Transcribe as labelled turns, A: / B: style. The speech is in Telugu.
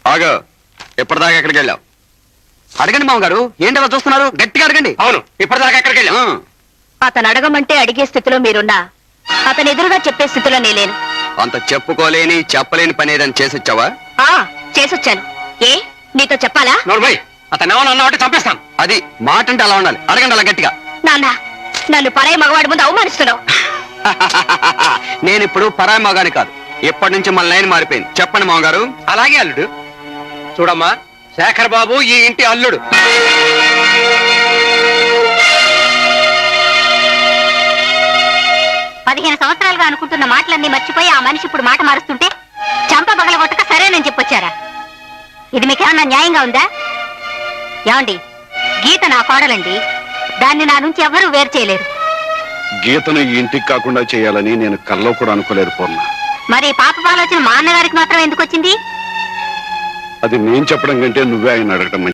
A: ఆగా ఎప్పటిదాకా ఎక్కడికి వెళ్ళావు? అడగండి మామగారు. ఏంటి అలా చూస్తున్నారు? గట్టిగా అడగండి. అవును, ఇప్పటిదాకా ఎక్కడికి వెళ్ళావు?
B: అతను అడగమంటే అడిగే స్థితిలో మీరున్నా అతను ఎదురుగా చెప్పే స్థితిలో నేలేను.
A: అంత చెప్పుకోలేని చెప్పలేని పని ఏదని చేసొచ్చావా?
B: చేసొచ్చాను. ఏ నీతో చెప్పాలా?
A: నోర్మై, అతను ఏమన్నా అన్నవాటి చంపేస్తాను. అది మాట అంటే అలా ఉండాలి. అడగండి అలా గట్టిగా.
B: నాన్న, నన్ను పరాయి మగవాడి ముందు అవమానిస్తున్నావు.
A: నేను ఇప్పుడు పరాయి మగాని కాదు. ఇప్పటి నుంచి మన లైన్ మారిపోయింది. చెప్పండి మామగారు. అలాగే అల్లుడు. చూడమ్మా, శేఖర్ బాబు ఈ ఇంటి అల్లుడు.
B: పదిహేను సంవత్సరాలుగా అనుకుంటున్న మాటలన్నీ మర్చిపోయి ఆ మనిషి ఇప్పుడు మాట మారుస్తుంటే చంప పగలగొట్టక సరేనని చెప్పొచ్చారా? ఇది మీకేమన్నా న్యాయంగా ఉందా? ఏమండి, గీత నా కోడలండి. దాన్ని నా నుంచి ఎవరూ వేరు చేయలేరు.
C: గీతను ఈ ఇంటికి కాకుండా చేయాలని నేను కల్లో కూడా అనుకోలేదు పూర్ణ.
B: మరి పాప ఆలోచన మా అన్నగారికి మాత్రం ఎందుకు వచ్చింది?
C: అది నేను చెప్పడం కంటే నువ్వే ఆయన అడగటం